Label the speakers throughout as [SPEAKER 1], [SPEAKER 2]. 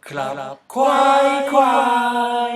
[SPEAKER 1] ครับควาย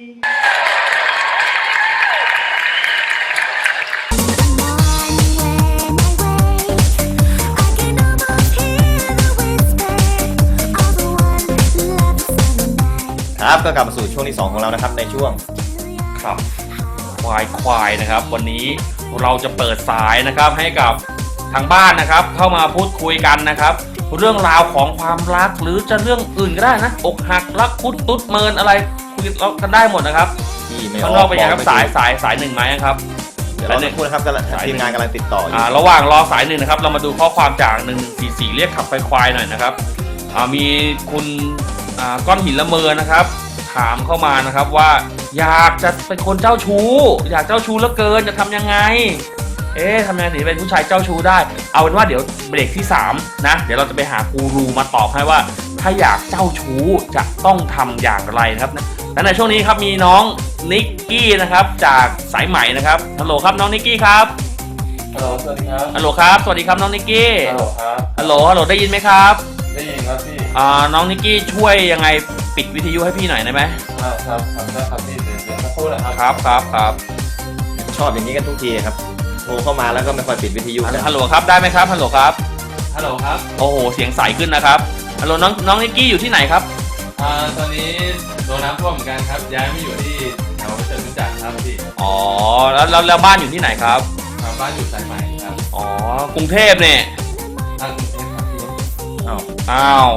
[SPEAKER 2] ครับก็กลับมาสู่ช่วงที่2ของเรานะครับในช่วง
[SPEAKER 1] ครับควายนะครับวันนี้เราจะเปิดสายนะครับให้กับทางบ้านนะครับเข้ามาพูดคุยกันนะครับเรื่องราวของความรักหรือจะเรื่องอื่นก็ได้นะอกหักรักคุดตุ๊ดเมินอะไรคุยกันได้หมดนะครับ
[SPEAKER 2] ที่ไม่อ
[SPEAKER 1] ข้างน
[SPEAKER 2] อ
[SPEAKER 1] อก กเป็นยังครับสายหนึ่งไหมครับ
[SPEAKER 2] เดี๋ยวเราจะพูดนะครับทีมงานกำลังติดต่ออยู่
[SPEAKER 1] ระหว่างรอสายหนึ่งนะครับเรามาดูข้อความจาก1144เรียกขับควายหน่อยนะครับมีคุณก้อนหินละเมอนะครับถามเข้ามานะครับว่าอยากจะเป็นคนเจ้าชู้อยากเจ้าชู้เหลือเกินจะทำยังไงทำยังไงถึงเป็นผู้ชายเจ้าชู้ได้เอาเป็นว่าเดี๋ยวเบรกที่3นะเดี๋ยวเราจะไปหากูรูมาตอบให้ว่าถ้าอยากเจ้าชู้จะต้องทำอย่างไรนะครับและในช่วงนี้ครับมีน้องนิกกี้นะครับจากสายใหม่นะครับฮัลโหลครับน้องนิกกี้ครับ
[SPEAKER 3] ฮัลโหลสวัสดีครับ
[SPEAKER 1] ฮัลโหลครับสวัสดีครับน้องนิกกี้
[SPEAKER 3] ฮัลโหลครับ
[SPEAKER 1] ฮัลโหลได้ยินไหมครับ
[SPEAKER 3] ได้ยินครับพี่
[SPEAKER 1] น้องนิกกี้ช่วยยังไงปิดวิทยุให้พี่หน่อยได้ไหม
[SPEAKER 3] ครับได้ครับพี่เดี๋ยวสักครู่นะครับ
[SPEAKER 1] ครับ
[SPEAKER 2] ชอบอย่างนี้กันทุกทีครับโทรเข้ามาแล้วก็ไม่ค่อยปิดวิทยุกัน
[SPEAKER 1] ฮัลโหลครับได้ไหมครับฮัลโหลครับ
[SPEAKER 3] ฮัลโหลครับ
[SPEAKER 1] โอ้โหเสียงใสขึ้นนะครับฮัลโหลน้องนิกกี้อยู่ที่ไหนครับ
[SPEAKER 3] ตอนนี้โดนน้ำท่วมเหมือนกันครับย้ายมาอยู่ที่แถวจตุจักรครับพี่
[SPEAKER 1] แล้วบ้านอยู่ที่ไหนครับ
[SPEAKER 3] บ้านอยู่สายใหม่ครับ
[SPEAKER 1] กรุงเทพเนี่ย
[SPEAKER 3] กรุงเทพครับพี่
[SPEAKER 1] อ้าว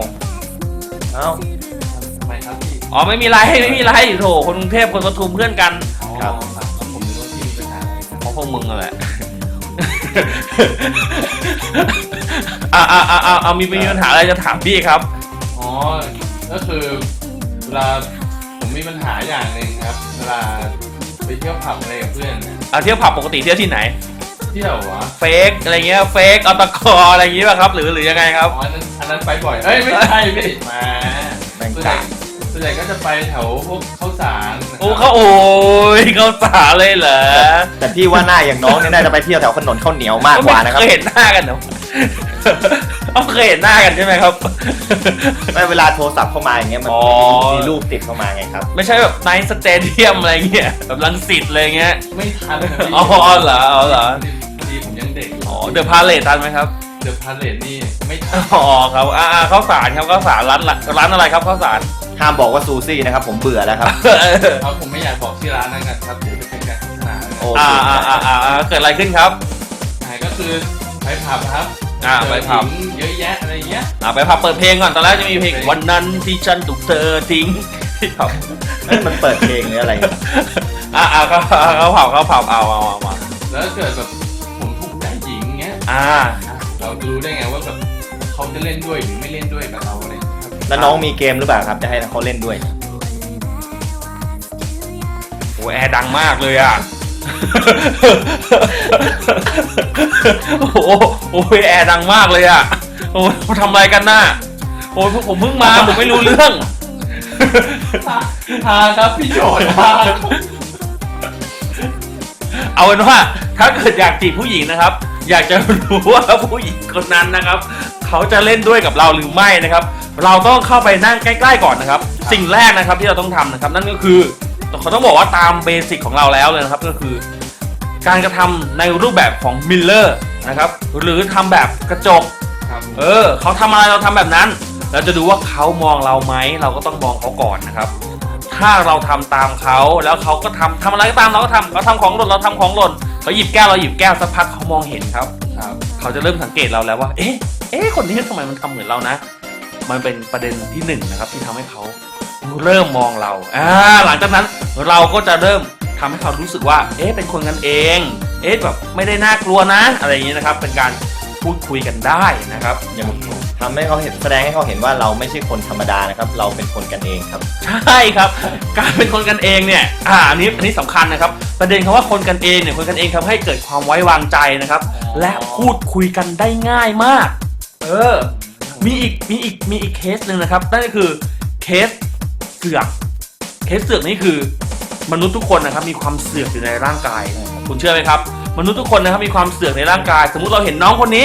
[SPEAKER 3] ทำไมครับพี่
[SPEAKER 1] ไม่มีไรโถคนกรุงเทพคนปทุมเพื่อนกัน
[SPEAKER 3] ครับผมนึกว่าพี่มีปัญหาอะไรครับ
[SPEAKER 1] เพราะพวกมึงแหละมีปัญหาอะไรจะถามพี่ครับ
[SPEAKER 3] ก็คือเวลาผมมีปัญหาอย่างหนึ่งครับเวลาไปเที่ยวผับอะไรกับเพื่อน
[SPEAKER 1] เที่ยวผับปกติเที่ยวที่ไหน
[SPEAKER 3] เที่ยววะ
[SPEAKER 1] เฟกอะไรเงี้ยเฟกอตกอะไรอย่างงี้ป่ะครับหรือยังไงครับ
[SPEAKER 3] อันนั้นไปบ่อยไม่ใช่พี่มาส่วนใหญ่ก็จะไปแถวพวกข้าวสาร
[SPEAKER 1] ข้าวสารเลยเหรอ
[SPEAKER 2] แต่พี่ว่าหน้าอย่างน้องเนี่ยน่าจะไปเที่ยวแถวถนนข้าวเหนียวมากกว่านะครับ
[SPEAKER 1] เคยเห็นหน้ากันเหรอเคยเห็นหน้ากันใช่ไหมครับ
[SPEAKER 2] ไม่เวลาโทรศัพท์เข้ามาอย่างเงี้ยมันมีรูปติดเข้ามาไงครับ
[SPEAKER 1] ไม่ใช่แบบไนท์สเตเดียมอะไรเงี้ยแบบรังสิตอะไรเงี้ย
[SPEAKER 3] ไม่ทันเหรอพอดีผมยังเด็ก
[SPEAKER 1] เดอะพาเลททันไหมครับ
[SPEAKER 3] เดอะพาเลทนี่ไม่ทัน
[SPEAKER 1] ครับข้าวสารครับข้าวสารร้านอะไรครับข้าวสาร
[SPEAKER 2] ห้ามบอกว่าซูซี่นะครับผมเบื่อแล้วครับ
[SPEAKER 3] ผมไม่อยากบอกชื่อร้านนั่นกันครับเดี๋ยวจะเป็นการโฆษณา
[SPEAKER 1] เกิดอะไรขึ้นครับ
[SPEAKER 3] ก็คือไปผับครับ
[SPEAKER 1] ไปผับ
[SPEAKER 3] เยอะแยะอะไรเงี้ย
[SPEAKER 1] ไปผับเปิดเพลงก่อนตอนแรกจะมีเพลงวันนั้นที่ฉันถูกเธอทิ้งที่ผับ
[SPEAKER 2] มันเปิดเพลงหรืออะไร
[SPEAKER 1] เขาผับเอา
[SPEAKER 3] มาแล้วเกิดแบบผมถูกใจหญิงเงี้ยเราจะรู้ได้ไงว่าแบบเขาจะเล่นด้วยหรือไม่เล่นด้วยกับเราอะไร
[SPEAKER 2] แล้วน้องมีเกมหรือเปล่าครับจะให้เขาเล่นด้วย
[SPEAKER 1] แอร์ดังมากเลยอ่ะแอร์ดังมากเลยอ่ะเขาทำอะไรกันน่ะผมเพิ่งมาผมไม่รู้เรื่อง
[SPEAKER 3] ครับพี่โจทย์
[SPEAKER 1] เอาเป็นว่าถ้าเกิดอยากจีบผู้หญิงนะครับอยากจะรู้ว่าผู้หญิงคนนั้นนะครับเขาจะเล่นด้วยกับเราหรือไม่นะครับเราต้องเข้าไปนั่งใกล้ๆก่อนนะครับสิ่งแรกนะครับที่เราต้องทำนะครับนั่นก็คือเขาต้องบอกว่าตามเบสิกของเราแล้วเลยนะครับก็คือการกระทำในรูปแบบของมิลเลอร์นะครับหรือทำแบบกระจกเขาทำอะไรเราทำแบบนั้นเราจะดูว่าเขามองเราไหมเราก็ต้องมองเขาก่อนนะครับถ้าเราทำตามเขาแล้วเขาก็ทำอะไรก็ตามเราก็ทำเขาทำของหล่นเราทำของหล่นเขาหยิบแก้วเราหยิบแก้วสักพักเขามองเห็นครับเขาจะเริ่มสังเกตเราแล้วว่าคนนี้ทำไมมันทำเหมือนเรานะมันเป็นประเด็นที่1นะครับที่ทำให้เขาเริ่มมองเราหลังจากนั้นเราก็จะเริ่มทำให้เขารู้สึกว่าเป็นคนกันเองแบบไม่ได้น่ากลัวนะอะไรอย่างนี้นะครับเป็นการพูดคุยกันได้นะครับ
[SPEAKER 2] อย่างทำให้เขาเห็นแสดงให้เขาเห็นว่าเราไม่ใช่คนธรรมดานะครับเราเป็นคนกันเองครับ
[SPEAKER 1] ใช่ครับการเป็นคนกันเองเนี่ยอันนี้สำคัญนะครับประเด็นคำว่าคนกันเองเนี่ยคนกันเองทำให้เกิดความไว้วางใจนะครับและพูดคุยกันได้ง่ายมากมีอีกเคสหนึ่งนะครับนั่นก็คือเคสเสือกนี่คือมนุษย์ทุกคนนะครับมีความเสือกอยู่ในร่างกายคุณเชื่อไหมครับมนุษย์ทุกคนนะครับมีความเสือกในร่างกายสมมุติเราเห็นน้องคนนี้ช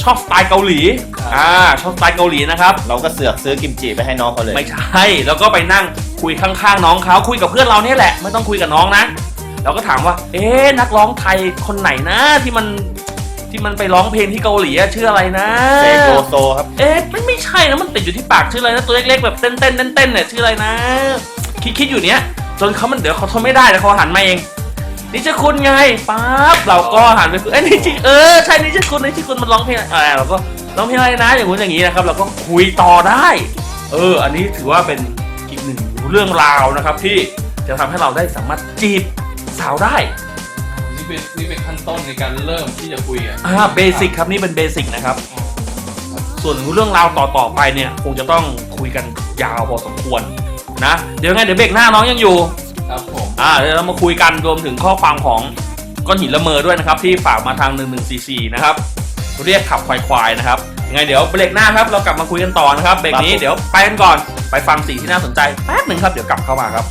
[SPEAKER 1] ชอบสไตล์เกาหลีชอบสไตล์เกาหลีนะครับ
[SPEAKER 2] เราก็เสือกซื้อกิมจิไปให้น้องเขาเลย
[SPEAKER 1] ไม่ใช่แล้วก็ไปนั่งคุยข้างๆน้องเขาคุยกับเพื่อนเราเนี่ยแหละไม่ต้องคุยกับน้องนะเราก็ถามว่านักร้องไทยคนไหนนะที่มันไปร้องเพลงที่เกาหลีชื่ออะไรนะ
[SPEAKER 2] เซโกโซครับ
[SPEAKER 1] ไม่ใช่นะมันติดอยู่ที่ปากชื่ออะไรนะตัวเล็กๆแบบเต้นเนี่ยชื่ออะไรนะคิดอยู่เนี้ยจนเขาเดี๋ยวเขาทนไม่ได้แล้วเขาหันมาเองนิชคุณไงปั๊บเราก็หันไปนี่ชิใช่นิชคุณมันร้องเพลงอะไรเราก็ร้องเพลงอะไรนะอย่างงู้นอย่างนี้นะครับเราก็คุยต่อได้อันนี้ถือว่าเป็นอีกหนึ่งเรื่องราวนะครับที่จะทำให้เราได้สามารถจีบสาวได้
[SPEAKER 3] นี่เป็นขั้นต้นในการเริ่มที่จะคุย
[SPEAKER 1] เบสิกครับนี่เป็นเบสิกนะครับส่วนเรื่องราวต่อไปเนี่ยคงจะต้องคุยกันยาวพอสมควรนะเดี๋ยวเบรกหน้าน้องยังอยู่
[SPEAKER 3] ครับผม
[SPEAKER 1] เดี๋ยวเรามาคุยกันรวมถึงข้อความของก้อนหินละเมอด้วยนะครับที่ฝากมาทาง1144นะครับเรียกขับควายนะครับยังไงเดี๋ยวเบรกหน้าครับเรากลับมาคุยกันต่อนะครับเบรกนี้เดี๋ยวไปกันก่อนไปฟังสิ่งที่น่าสนใจแป๊บหนึ่งครับเดี๋ยวกลับเข้ามาครับ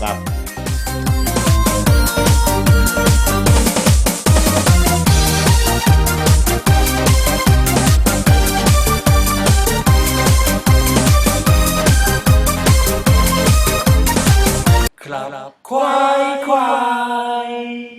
[SPEAKER 1] ครับควาย